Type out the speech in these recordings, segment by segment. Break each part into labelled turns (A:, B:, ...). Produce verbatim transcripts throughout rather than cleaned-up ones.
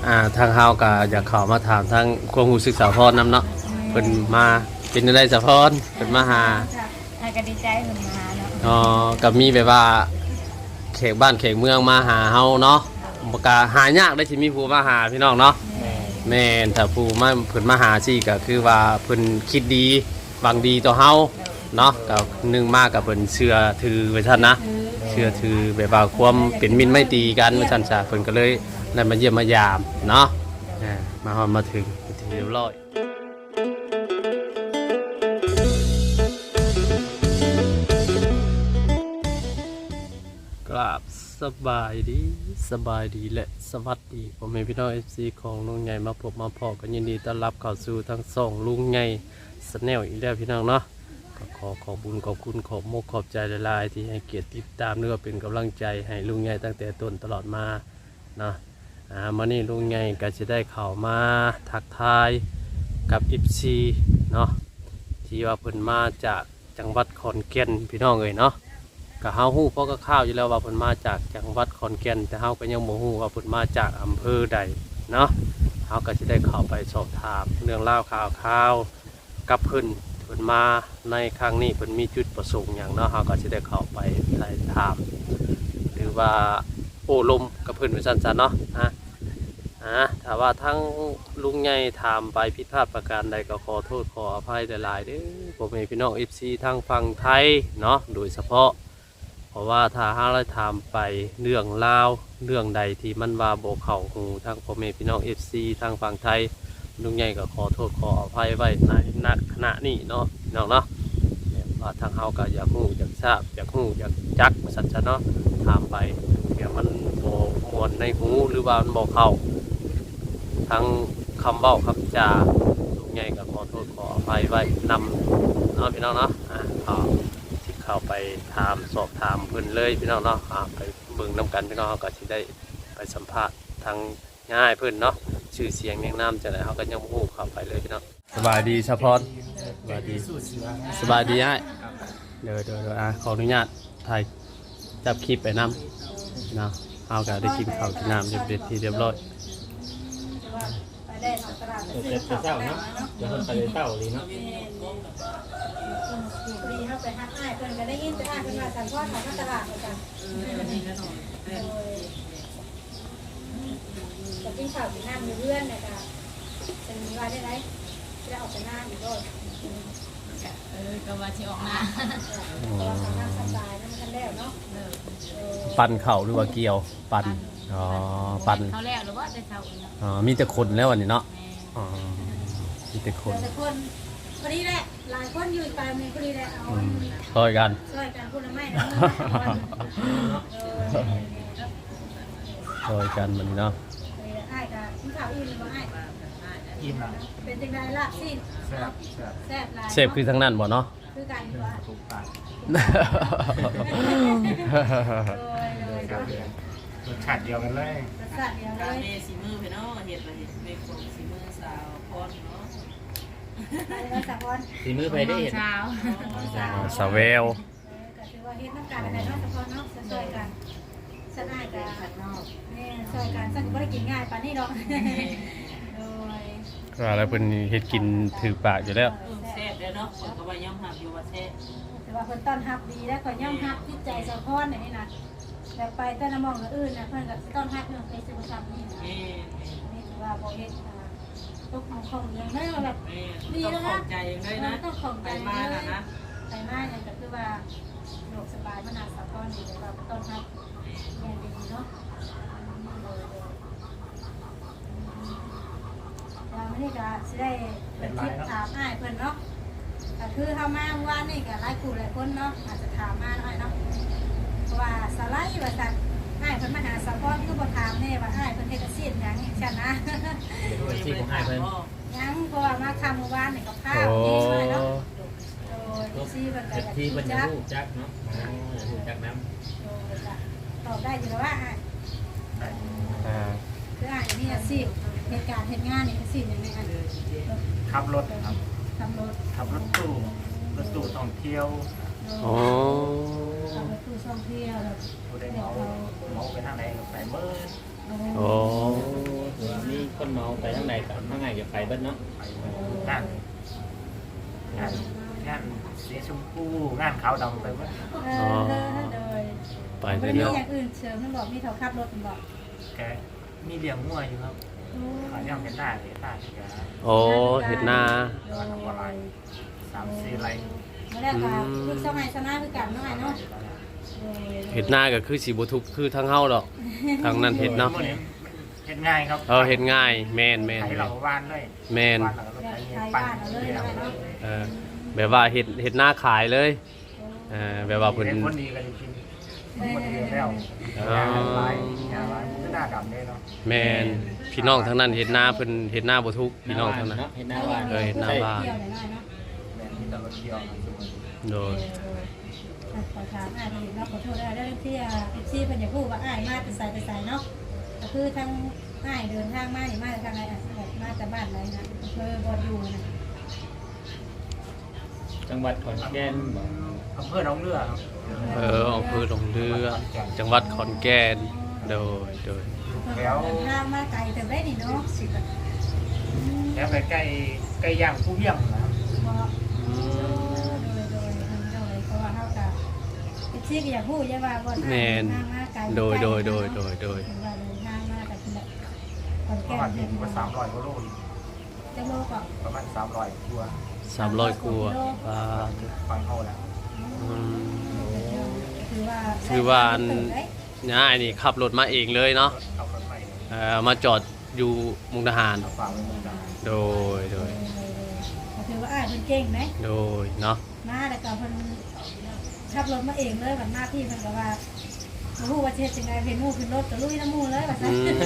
A: อ่าทางเฮาก็อยากเข้ามาถามทางความรู้สึกสาวพรนำเนาะเพิ่นมาเป็นจังได๋สาวพรเพิ่นมาหา
B: อ่าก็ดีใจเพิ่นมาเนาะ
A: อ๋อก็มีแบบว่าเขตบ้านเขตเมืองมาหาเฮาเนาะบ่กล้าหายากได้สิมีผู้มาหาพี่น้องเนาะแม่นถ้าผู้มาเพิ่นมาหาสิก็คือว่าเพิ่นคิดดีหวังดีต่อเฮาเนาะก็นึงมากับเพิ่นเชื่อถือไว้ซั่นนะเชื่อถือแบบว่าความเป็นมิตรไมตรีกันว่าซั่นซะเพิ่นก็เลยได้มาเยี่ยมมายามเนาะอ่ามาฮอดมาถึงที่เรียบร้อยกราบสบายดีสบายดีและสวัสดีผมเป็นพี่น้อง เอฟ ซี ของลุงใหญ่มาพบมาพอกันยินดีต้อนรับเข้าสู่ทั้งสองลุงใหญ่สแนลอีกแล้วพี่น้องเนาะก็ขอขอบบุญขอบคุณขอบมกขอบใจหลายๆที่ให้เกียรติติดตามเนื้อเป็นกำลังใจให้ลุงใหญ่ตั้งแต่ต้นตลอดมาเนาะอ่ามานี่ลุงใหญ่ก็จะได้เข้ามาทักทายกับ เอฟ ซี เนาะที่ว่าเพิ่นมาจากจังหวัดขอนแก่นพี่น้องเอ้ยเนาะก็เฮาฮู้เพราะก็ข้าวอยู่แล้วว่าเพิ่นมาจากจังหวัดขอนแก่นแต่เฮาก็ยังบ่ฮู้ว่าเพิ่นมาจากอำเภอใดเนาะเฮาก็สิได้เข้าไปสอบถามเรื่องราวข่าวข่าวกับเพิ่นเพิ่นมาในครั้งนี้เพิ่นมีจุดประสงค์หยังเนาะเฮาก็สิได้เข้าไปไถ่ถามหรือว่าโอ้ลมกับเพิ่นว่าซั่นๆเนาะฮะอ่าถ้าว่าทั้งลุงใหญ่ถามไปผิดพลาดประการใดก็ขอโทษขออภัยหลายๆเด้อพ่อแม่พี่น้อง เอฟ ซี ทางฝั่งไทยเนาะโดยเฉพาะเพราะว่าถ้าหาเราถามไปเรื่องราวเรื่องใดที่มันว่าโบเข่าหูทางพ่อแม่พี่น้องเอฟซีทางฝั่งไทยลุงใหญ่ก็ขอโทษขออภัยไว้ในนักขณะนี้เนาะพี่น้องเนาะว่าทางเฮาก็อยากหูอยากทราบอยากหูอยากจักสัจจะเนาะถามไปเดี๋ยวมันโบมวนในหูหรือว่ามันโบเข่าทั้งคำเบ้าคำจาลุงใหญ่ก็ขอโทษขออภัยไว้นำเนาะพี่น้องเนาะอ่าขอเข้าไปถามสอบถามเพิ่นเลยพี่น้องเนาะไปเบิ่งน้ำกันพี่น้องก็สิได้ไปสัมภาษณ์ทางง่ายเพิ่นเนาะชื่อเสียงเรียงนามจะไหนเขาก็ยังพูดเข้าไปเลยพี่น้องสบายดีเฉพาะสบายดีสบายดีง่ายเดี๋ยวเดี๋ยวอ่ะขออนุญาตถ่ายจับคลิปไปน้ำเนาะเอาก็ได้กินข้าวกินน้ำเรียบร้อยที่เรียบร้อย
C: เจ็บเจ้าเนาะเดี๋ยวคนไปเต้าเลยเนาะ
B: ดีเข้าไปฮักอ้ายเพิ่นก็ได้ยินแต่อ้ายเพิ่นว่าสันพอดของตลาดเหมือนกันจะกินข้าวกินน้ำมีเพื่อนนะคะเป็นว่าได้ไหมจะออกไปหน้าอยู่ด้วยเออก็ว่าที่ออกมาเราทำงานสบายนั่นกันแล้วเนาะ
A: ปั่นเข่าหรือว่าเกี่ยวปั่นอ๋อปั่น
B: เขาแล้วหรือว่าจะเท่า
A: อ๋อมีแต่คนแล้ววันนี้เนาะอ๋อมีแต่คน
B: แต่คนพอดีแหละหลายคนอยู่ไปมีพอดีแหละเอา
A: ช่วยกัน
B: ช่วยกันพูดไม่นะ
A: ช่วยกันมันเนาะ
B: ไอ้กับที่ข่าวอิ่มหรือว่าไอ้
C: อิ่มละ
B: เป็นจังไดล่ะสิ้น
C: แซ่บ
B: แซ่บหลาย
A: เซฟคือทั้งนั้นบ่เนาะ
B: คือกันกว่า
C: ถูกปากรสชาติเดียวกันเลย
B: รสชาติเดียวเลย
D: เมสีมือไปเนาะเห็ดไปเห็ดเมฆสีมือสาวพรเนาะ
C: สีมือไปได้เห็น
B: สาว
A: สาวเวล
B: ก็ถือว่าเฮ็ดน้ำกันอะไรเนาะเฉพาะเนาะช่วยกันสักง่ายกันนี่ช่วยกันสักก็ได้กินง่ายปานนี้ดอกโดย
A: ก็แล้วเพิ่นเฮ็ดกินถือปากอยู่แล้ว
D: แซ่บแล้วเนาะคนก็ว่าย่อมหักอยู่ว่าแซ่บ
B: แต่ว่าเพิ่นต้อนรับดีแล้วก็ย่อมรับจิตใจสะพอนนี่นะแต่ไปแต่ละมองอื่นนะเพิ่นก็ต้อนรับเรื่องไปสุขภาพนี่นะนี่ถือว่าบ่เฮ็ดตกของของอย่างได้แบบ
D: ดีแล้วนะใจอย่างได้นะ
B: ต้องของใจ
D: มานะนะ
B: ใจมากเนี่ยก็คือว่าโรคสบายมนาสะพอนดีแต่ว่าต้อนรับแย่ดีเนาะเราไม่ได้ก็สิได้เป็นทิปถามอ้ายเพิ่นเนาะก็คือเฮามาว่านี่ก็หลายคู่หลายคนเนาะอาจจะถามมาหน่อยเนาะเพราะว่าสไลด์ว่าซั่นอ้ายเพิ่นมาหาสะพอนคือบ่ถามแน่ว่าอ้ายเพิ่นเฮ็ดอาชีพหยังจังนะ
C: ที่ผมให้เพิ่น
B: ยังเพราะว่ามาคำเมื่อวานนี่กับข้าวนี่ใช่เนาะโดยที่เพิ่นก็
C: ที่เพิ่นจะรู้จักเนาะรู้จักน้
B: ำตอบได้อยู่แล้วว่า
A: อ่า
B: คืออ้ายมีอาชีพเหตุการณ์เฮ็ดงานนี่อาชีพหยังไงอัน
C: ขับรถครับ
B: ขับรถ
C: ขับรถตู้รถตู้ท่องเที่ยว
A: อ๋อ
B: ขับรถตู้ท่องเที่ยวแบบ
C: ผู้ใดเมาเมาไปทางไหนก็ไปเมื่อ
A: โอ้
C: มีเบิดเนาะ
E: ไปงานงานงานสีชมพูงานขาวดำไปหมด
B: เออโดย
A: ไป
B: บ่
A: เรื่
B: ได้มี
A: อย
B: อย่างอื่นเสริมมันบอกมีเขาขับรถมันบอก
E: แกมีเลี้ยงงัวอยู่ครับขายย่างเป็นหน้าเลยหน้าแก
A: ๆโอ้เห็ดนา
E: วันละวันละสามสี่ไร
B: มาแล้วก็ลูกสมัยสนาคือกันเนาะเนาะ
A: เห็ดนาก็คือสีบุทุกคือทั้งเฮาดอกทางนั้นเห็ดเนาะ
E: เห็ดง่ายครับ
A: เออเห็ดง่ายแม่นแม่น
E: ไถเหล่าบ้านเลย
A: แม่น
E: บ้านเราก็ใช้เงินปั่นเลี้ยง
A: เออแบบว่าเห็ดเห็ดนาขายเลยเออแบบว่าเพิ่น
E: เห็ดคนดีกันจริงคนดีแล้วงานลายงานลายหน้าดำเลยเนาะ
A: แม่นพี่น้องทั้งนั้นเห็ดนาเพิ่นเห็ดนาบ่ทุกพี่น้องทั้งนั้น
C: เนาะเห็นหน้าบ้าน
A: เออเห็นหน้าบ้าน
B: เที่ยวหน่อยเนาะ
E: แบบที่ตลอดเที่ยวครับทุกคน
A: โดย
B: ขอถามอ่านอีกเนาะขอโทษได้ได้ที่อ่ะเอฟซีเพิ่นอยากพูดว่าอ้ายมาแต่ใส่แต่ใส่เนาะก็คือทั้งอ้ายเดินทางมานี่มาจากทางไหนอ่ะแบบมาจากบ้านไหนนะอำเภอบ่อยู่นะ
C: จังหวัดขอนแก่นบ่
E: อำเภอหนองเรือครับ
A: เอออำเภอหนองเรือ จังหวัดขอนแก่นโดยโดย
B: เดินทางมาไกลแต่ได้นี่เนาะสิบอ่ะ
E: แล้วไปใกล้ใกล้ย่างผู้เยี่ยมนะครับ
B: บ่โดยโดยโดยเพราะว่าเฮาก็เอฟซีก็อยากพูดใช่ว่าบ่ทางมาไกล
A: โดยโดยโดยโดยโดย
B: ถึงว่าเดินทางมาแต่ที่ละขอน
E: ป
B: แก่
E: ระมาณ
B: น
E: นี้
B: เพิ่น
E: ว่าสามร้อยกว่าโล
B: จะโลก็
E: ประมาณสามร้อยตัว
A: สามร้อยกว่าอ่า
E: ฟังเขาแล้ว
A: อืม
B: ถือว่า
A: ถือว่าอัน ง่ายนี่ขับรถมาเองเลยเนาะ
E: เอารถไป
A: เอ่อมาจอดอยู่มุกดาหาร
E: เอาฝากไว้มุกดาหาร
A: โดยโดย
B: ถือว่าอ้ายเพิ่นเก่งไหม
A: โดยเนาะ
B: มาแต่ก็เพิ่นขับรถมาเองเลยบัดหน้าที่เพิ่นก็ว่าบ่ฮู้ว่าสิเฮ็ดจังได๋เพิ่นหมู่ขึ้นรถก็ลุยน้ำหมู่เลยว่าซั่น
A: อืม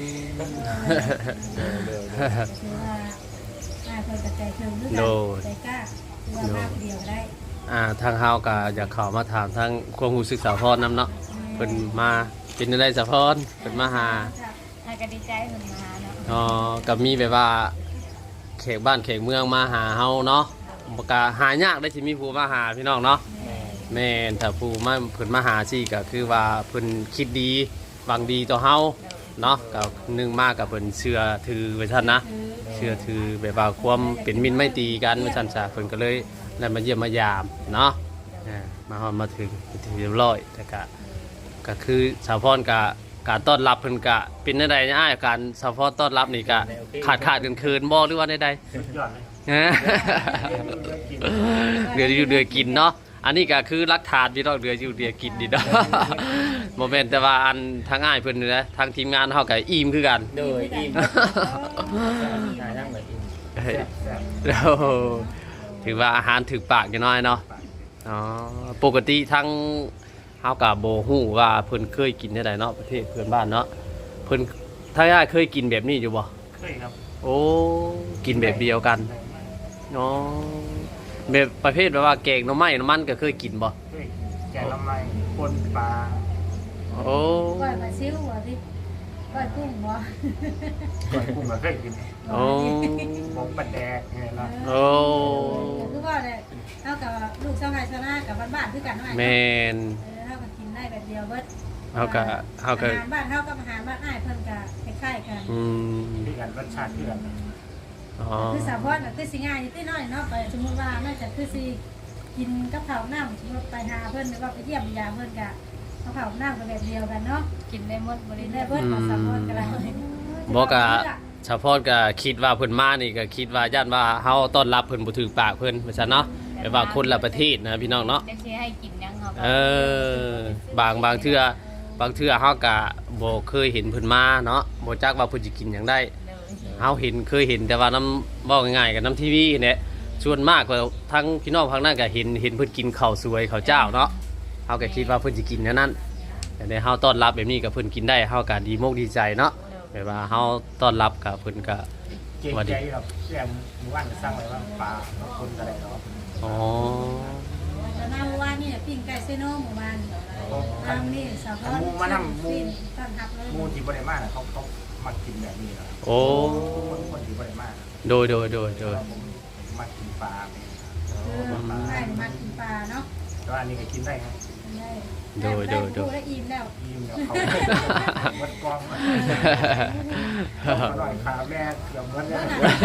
B: ถือว่าอ้ายเพิ่นก็ใจถึงคือกันใจกล้าคือว่ามาผู้เดียวก็ได้
A: อ่าทางเฮาก็อยากเข้ามาถามทางความรู้สึกสาวพรนำเนาะเพิ่นมาเป็นจังได๋สาวพรเพิ่นมาหา
B: อ้ายก็ดีใจเพิ่นมาหาเนาะ
A: อ๋อก็มีแบบว่าแขกบ้านแขกเมืองมาหาเฮาเนาะบ่กะหายากได้สิมีผู้มาหาพี่น้องเนาะแม่นถ้าผู้มาเพิ่นมาหาสิก็คือว่าเพิ่นคิดดีหวังดีต่อเฮาเนาะก็หนึงมากกับเพิ่นเชื่อถือไว้ซั่นนะเชื่อถือแบบว่าความเป็นมิตรไมตรีกันว่าซั่นซะเพิ่นก็เลยได้มาเยี่ยมมายามเนาะอ่ามาฮอดมาถึงเป็นที่เรียบร้อยแต่ก็ก็คือสาวพรก็การต้อนรับเพิ่นก็เป็นจังได๋อ้ายการสาวพรต้อนรับนี่ก็ขาดขาดเคินๆบ่หรือว่าใดๆ
E: สุดยอดเลย
A: ฮะเดืออยู่เดือกินเนาะ อันนี้ก็คือรักฐานพี่น้องเดืออยู่เดือกินดีเนาะ โมเมนต์แต่ว่าอันทางง่ายเพิ่นนี่นะทางทีมงานเฮาก็อิ่มคือกัน
C: โดยอิ่มหาทั้งแบบอิ่ม
A: แล้วถือว่าอาหารถึกปากอยู่น้อยเนาะ อ๋อ ปกติทั้งเฮาก็บ่ฮู้ว่าเพิ่นเคยกินได้ใดเนาะประเทศเพื่อนบ้านเนาะ เพิ่นถ้าย่าเคยกินแบบนี้อยู่บ่
E: เคยครับ
A: โอ้ กินแบบเดียวกัน อ๋อแบบประเภทแบบว่าแกงหน่อไม้น้ำมันก็เคยกินบ่
E: เคยแกงละไมปนปลา
A: โอ้
B: ก้อยปลาซิวบ่สิก้อยกุ้งบ่
E: ก่อนกุ้งก็เคยกิน
A: โอ้
E: หมกปลาแดกเนี่ยนะ
A: โอ้
B: คือว่าเนี่ยเท่ากับลูกชาวไร่ชาวนากับบ้านๆคือกันเนาะ
A: แมน
B: เออเท่ากับกินได้แบบเดียวเบิด
A: เฮาก็เฮาก็
B: อาหารบ้านเท่ากับอาหารบ้านอ้ายเพิ่นก็คล้ายๆกัน
A: อืม
E: ที่กันรสชาติที่กัน
A: อ๋อ
B: คือสาวพรก็คือสิง่ายนิดหน่อยเนาะไปสมมุติว่าน่าจะคือสิกินกับข้าวน้ำสมมุติไปหาเพิ่นหรือว่าไปเยี่ยมยามเพิ่นก็กับข้าวน้ำก็แบบเดียวกันเนาะ
F: กินได้หมดบ
B: กิ
F: ริ
B: น
F: เว
B: ได้
F: ณ
B: เบิดของสาวพรก็ได้
A: บ่ก็เฉพาะก็คิดว่าเพิ่นมานี่ก็คิดว่าย่านว่าเฮาต้อนรับเพิ่นบ่ถึงปากเพิ่นว่าซั่นเนาะแบบว่าคนละประเทศนะพี่น้องเนาะ
F: จะเชียให้กินยังครับ
A: เออบางบางเทื่อบางเทื่อเฮาก็บ่เคยเห็นเพิ่นมาเนาะบ่จักว่าเพิ่นสิกินหยังได้
F: เลย
A: เฮาเห็นเคยเห็นแต่ว่าน้ำเว้าง่ายๆกับน้ำทีวีเนี่ยส่วนมากก็ทั้งพี่น้องพังนั้นก็เห็นเห็นเพิ่นกินข้าวสวยข้าวเจ้าเนาะเฮาก็คิดว่าเพิ่นสิกินแนวนั้นแต่ในเฮาต้อนรับแบบนี้ก็เพิ่นกินได้เฮาก็ดีมกดีใจเนาะแบบว่าเฮาต้อนรับกับเพิ่นก็
E: เก่งใจแบบแกงหมู่บ้านจะสร้างไว้ว่าปลาคนอะไรเนาะ
A: อ๋อ
B: แล้วหน้าว่านี่ปิ้งไก่เซโนหมู่บ้านทางนี่สาวพรปิ้งต้อนรับเลย
E: มูที่บริมาเขาเขามากินแบบนี้นะ
A: โอ้
E: คนคนที่บริมา
A: โดยโดยโดยโดย
E: ผมมากินปลาเนี่ย
B: คือได้มากินปลาเนาะ
E: แล้วอันนี้ก็กินได้ครับ
B: เออ
A: โดยโดยโดย
B: ได้อิ่มแล้ว
E: ยิ้มเดี๋ยวเขาวัดกองมาอร่อยขาแม่เกือบหมดเลย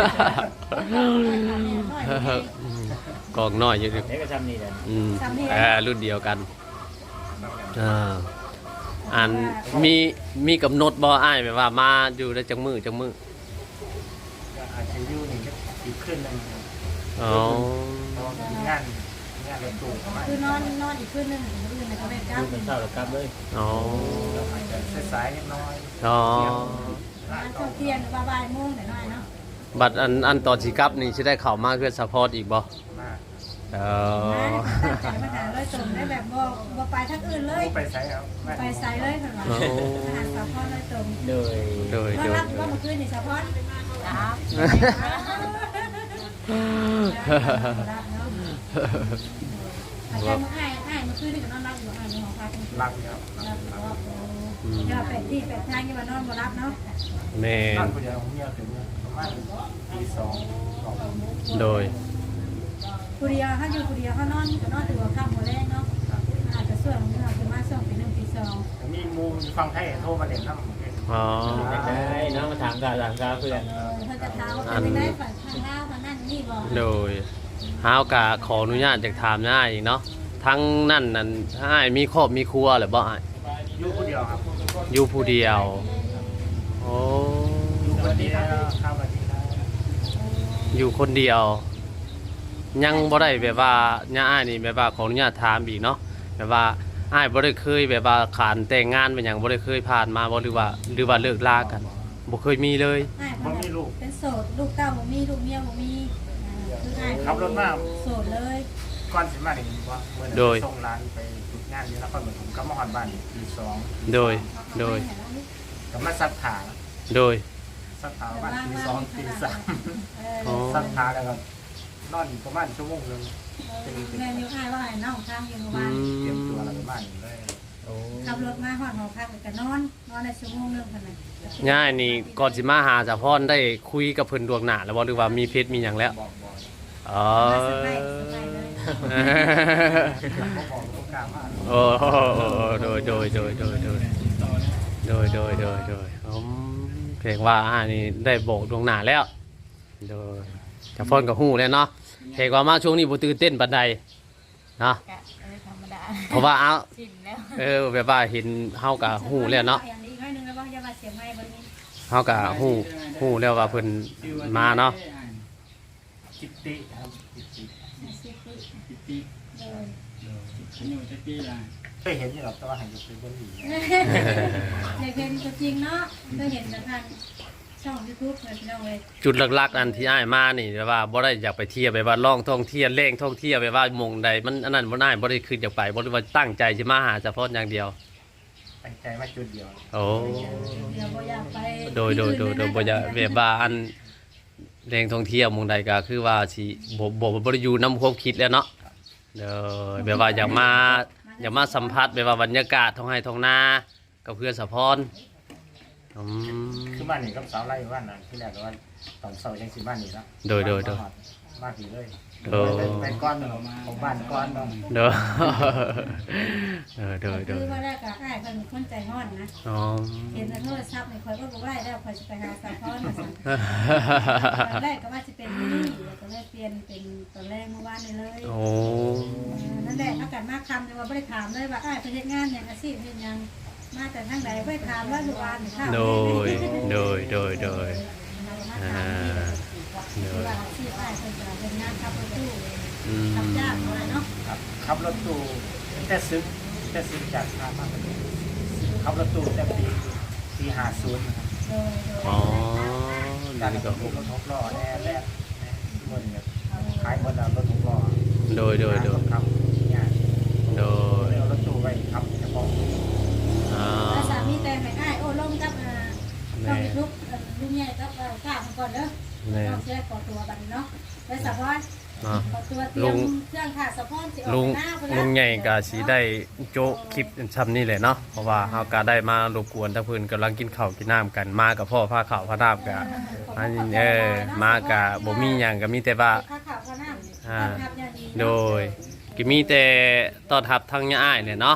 A: กองน้อยอยู่ดิ
C: เด็กก็จำนี่แหละ
A: อืมเออรุ่นเดียวกันอ่าอันมีมีกำหนดบ่อ้ายแบบว่ามาอยู่ได้จังมือจังมือ
E: อาจจะอยู่นี่ก็อีกขึ้นหนึ่ง
A: อ๋อ
E: เพราะมีงานงานรถตู้เข้ามา
B: คือนอนนอนอีกคืนนึงคืนนึงก็ไม่กล้า
C: ลูกเป็นเศร้าแล้วกลับเลย
A: อ๋อ
E: อาจจะสายๆนิดน้อย
A: อ๋อ
B: ร้านข้าวเที่ยงบ่ายโมงหน่อยเนาะ
A: บัดอันอันตอนสิกลับนี่สิได้เข้ามาเพื่อซัพพอร์ตอีกบ่
E: มาก
A: เอ
B: ตั้ง
A: อ
B: ใจมาหาเลยส่งได้แบบบ่บ่ไปทางอื่นเลย
E: ไปใส่เอา
B: ไปไซเลยเพิ่นว่าอาหารสะพอนเลยตรง
C: โดย
A: โดย
B: มา
A: โดย
B: รับว่าเมื่อคืนนี่สะพอน
D: ครับ
B: รับเนาะอาจารย์มาอ้ายอ้ายเมื่อคืนนี่ก็นอนรับอยู่อ้ายในหอพัก
E: รับครับ
B: รับรับอย่าไปที่ไปทางอย่ามานอนบ่รับเนาะ
A: แม่
E: นอน
A: น
E: คนเดียวผมเมียถึงประมาณตีสองสอง
A: โดย
B: ผู้เดียวถ้าอยู่ผู้เดียวเขานอนก็นอนถือว่าค่ำบ่แรงเนาะอาจจะส่วนของเราคือมาส่งเป็นหนึ่งปีสอง
E: มีมูฟังไทยโทรมาเล่นน้ำ
A: อ๋อ
C: ได้เนาะมาถามกาถามกาเพื่อน
B: เออเพิ่นจะเท้าเป็นได้ฝันทางลาวทางนั้นนี่บ่
A: โดยฮาวกะขออนุญาตจากถามน้าอีกเนาะทั้งนั่นนั่นอ้ายมีครอบมีครัวหรือบ่อ้าย
E: อยู่คนเดียวครับ
A: อยู่ผู้เดียวโอ้
E: อยู่คนเดียวครับวันนี้ครับ
A: อยู่คนเดียว ยังบ่ได้แบบว่าย่าอ้ายนี่แบบว่าขออนุญาตถามอีกเนาะแบบว่าอ้ายบ่ได้เคยแบบว่าขานแต่งงานเป็นหยังบ่ได้เคยผ่านมาบ่หรือว่าหรือว่าเลิกลากันบ่เคยมีเลย
B: อ้ายเพิ่นเป็นโสดลูกเต้าบ่มีลูกเมียบ่มีคืออ้าย
E: ขับรถมา
B: โสดเลย
E: ก่อนสิมาเนี่ยว่าเมื่อนั้นส่งร้านไปฝึกงานอยู่นครปฐมก็มาหอนบ้านตีสอง
A: โดยโดย
E: ก็มาซักขา
A: โดย
E: ซักขาบ้านตีสองตีสาม
B: เอ
A: อ๋อ
B: อ
E: ซักขาแล้วก็นอนประมาณชั่วโมงนึง
B: แม่นิ้วอ้ายว่าให้น้องทางอยู่
A: อื
B: บ้าน
E: เตรียม
A: ม
E: ตัวอะไรประมาณนี้เลย
C: โอ้
B: ขับรถมาฮอดหอพักก็นอนนอนได้ชั่วโมงนึงเท่านั้น
A: ย่านี่ก่อนสิมาหาสะพรได้คุยกับเพิ่นดวงหน้าแล้วบ่หรือว่ามีเพชรมีหยังแล้ว
E: บอกบอก
A: อ๋อ
B: มาสบายสบายเลย
E: บอกบอกโอกาสมาก
A: โอ้โดยโดยโดยโดยโดยโดยโดยโดยโดยอืมเพลงว่าอ่านี่ได้บอกดวงหน้าแล้วโดยจะฟ้อนกับฮู้แล้วเนาะเพลงว่ามาช่วงนี้บ่ตื่นเต้นปานใดเนาะ
D: กะเออธรรมดา
A: เพราะว่าเอา
D: ชินแล้ว
A: เออแบบว่าเห็นเฮากับฮู้แล้วเนาะ
B: อย่างนี้อีกหน่อยนึงแล้วว่าอย่าว่าเสียงไม้บ่นี้
A: เฮากับฮู้ฮู้แล้วว่าเพิ่นมาเนาะ
E: จิตติครับจิตติ
B: สิบปี
F: ปิติ
B: เลย
F: อายุจะปีละ
E: เคยเห็นอยู่หรอกแต่ว่าหันอยู่เป็นคนดี
B: ในเพลงตัวจริงเนาะเคยเห็นแต่ทางช่อง YouTube เพิ่นพี่น้องเว้ย
A: จุดหลักๆอันที่อ้ายมานี่แบบว่าบ่ได้อยากไปเที่ยวแบบว่าล่องท่องเที่ยวเล่งท่องเที่ยวแบบว่าหมองใดมันอันนั้นบ่ได้บ่ได้คืออยากไปบ่ได้ว่าตั้งใจสิมาหาเฉพาะอย่างเดียว
E: ตั้งใจมาจุดเดียว
A: โอ้
B: เดี๋ยวบ่อยากไป
A: โดยโดยโดยโดยบ่อยากแบบว่าอันแรงท่องเที่ยวหมองใดก็คือว่าสิบ่บ่บ่ได้อยู่นำความคิดแล้วเนาะเด้อแบบว่าอยากมาอยากมาสัมผัสแบบว่าบรรยากาศท้องไร่ท้องนากับเพื่อนสะพรอืม
E: คือบ้านนี่กับสาวไร่บ้านนั้นที่แรกก็ว่าตอนเสาร์ยังสิบ้านนี่แล้ว
A: โดยโดยโดย
E: มาผีเลย
A: โดย
E: ไปก้อนของบ้านก้อน
A: เด้อเออเด้อเด้อ
B: คือว่าแรกก็อ้ายเพิ่นคนใจร้อนนะ
A: อ๋อ
B: เห็นในโทรศัพท์นี่ข่อยก็บ่ได้แล้วข่อยสิไปหาสาวพรมาสั่งตอนแรกก็ว่าสิเป็นที่นี่ก็เลยเปลี่ยนเป็นตอนแรกเมื่อวานนี้เลย
A: โอ้
B: นั่นแหละอากาศมาคำแต่ว่าไม่ได้ถามเลยว่าอ้ายไปเฮ็ดงานอย่างอาชีพเฮ็ดหยังมาแต่ทางใดไม่ได้ถามว่าอยู่บ้านหรือข้าว
A: โดยโดยโดยโดยอ่าโดย
B: ว่าอาชีพอ้ายเพิ่นจะเฮ็ดงานขับรถตู้
A: อืม
B: ขับจ้างอะไรเนาะ
E: ครับขับรถตู้แต่ซึ้งแต่ซึ้งจากทางมากเลยขับรถตู้แต่ปีปีห้าศูนย์นะครับ
B: โดยโดย
A: อ๋อ
E: การ
A: นี่
E: ร
A: ก็
E: ถตู้รถหกล้อแน่แรกเงินเนี่ยขายหมดแล้วรถหกล้อ
A: โดยโดยโดย
E: ครับเนี่ย
A: โดย
E: เอารถตู้ไปขับเฉพาะ
A: อ่า
B: แล้วสามีแต่งให้อ้ายโอ้ลงกับอ่าต้องมีลูกเอ่อลูกใหญ่กับเอ่อข้าวมันก่อนเด้อ
A: แม่
B: ต้องเสียขอตัวบัดนี้เนาะไปสะพอน
A: อ่า
B: ขอตัวเตรียมเครื่องค่ะสะพอนสิออก
A: ลุง
B: หน้าพุ่น
A: ลุ
B: ละ
A: งใหญ่ก็สิได้โจะคลิปซ้ำนี่แหละเนาะเพราะว่าเฮาก็ได้มารบกวนทั้งเพิ่นกำลังกินข้าวกินน้ำกันมากับพ่อพาข้าวพาน้ำกันอันนี้เออมาก็บ่มีหยังก็มีแต่ว่า
B: ข้าวขาวข้าวน้ำ
A: อ่า
B: ต้อนรับอย่างดีเนาะ
A: โดยก็มีแต่ต้อนรับทางย่าอ้ายเนี่ยเนาะ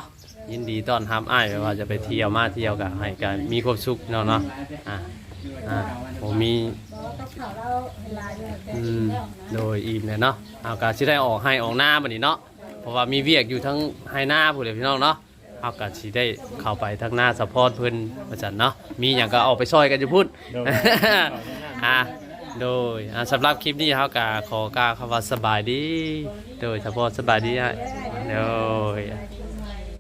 A: ยินดีต้อนรับอ้ายว่าจะไปเที่ยวมาเที่ยวก็ให้กันมีความสุขเนาะเนาะอ่าอ่าผมมี
B: บ่ต้องข่าวเราเวลาอยู่แต่
A: อื
B: กิ
A: ม
B: นแล้วนะ
A: โดยอิ่มเลยเนาะเอาก็สิได้ออกให้ออกหน้าบัดนี้เนาะเพราะว่ามีเวียกอยู่ทั้งให้หน้าผู้เดียวพี่น้องเนาะเอาก็สิได้เข้าไปทั้งหน้าซัพพอร์ตเพิ่นว่าซั่นเนาะมีหยังก็เอาไปช่วยกันอยู่พุ่น
C: โดย
A: อ่ะโดยอ่ะสำหรับคลิปนี้เขาก็ขอกล่าวคำว่าสบายดี โดยเฉพาะสบายดีฮะโดย
B: โอเค